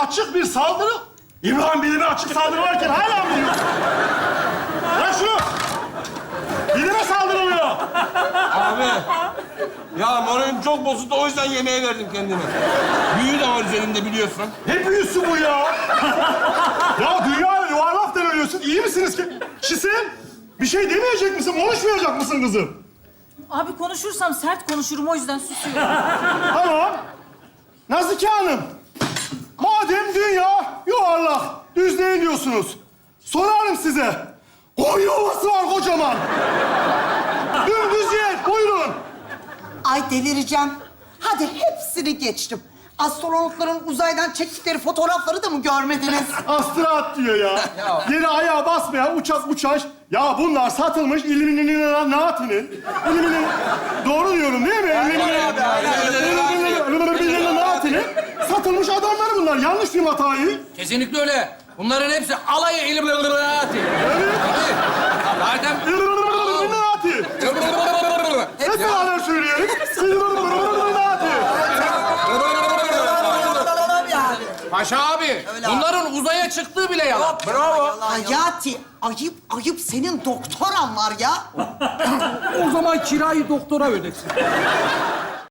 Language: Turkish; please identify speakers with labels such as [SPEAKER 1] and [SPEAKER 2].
[SPEAKER 1] açık bir saldırı. İbrahim bilime açık saldırı varken hala mı diyorsun? Bırak şunu. Bilime saldırılıyor.
[SPEAKER 2] Abi. Ya moralim çok bozuldu, o yüzden yemeğe verdim kendime. Büyü de var üzerinde biliyorsun.
[SPEAKER 1] Ne büyüsü bu ya? Ya dünya yuvarlak dönüyorsun. İyi misiniz ki? Şisin, bir şey demeyecek misin? Konuşmayacak mısın kızım?
[SPEAKER 3] Abi konuşursam sert konuşurum, o yüzden susuyorum.
[SPEAKER 1] Tamam. Nazike Hanım, madem dünya yuvarlak, düz değil diyorsunuz. Sorarım size. Koyun yuvası var kocaman. Dümdüz yer, buyurun.
[SPEAKER 4] Ay delireceğim. Hadi hepsini geçtim. Astronotların uzaydan çektikleri fotoğrafları da mı görmediniz?
[SPEAKER 1] Astronot diyor ya. Yere ayağa basmayan uçak uçaş. Ya bunlar satılmış Illuminaati'nin. Doğru diyorum değil mi? Illuminaati'nin satılmış adamlar bunlar. Yanlış mıyım hatayı?
[SPEAKER 5] Kesinlikle öyle. Bunların hepsi alayı Illuminati.
[SPEAKER 1] Evet.
[SPEAKER 5] Zaten...
[SPEAKER 1] Illuminaati. Hep beraber söyleyelim. Illuminaati.
[SPEAKER 5] Paşa abi, bunların uzaya çıktığı bile yalan.
[SPEAKER 2] Bravo.
[SPEAKER 4] Hayati, ayıp senin doktoran var ya.
[SPEAKER 5] O zaman kirayı doktora ödesin.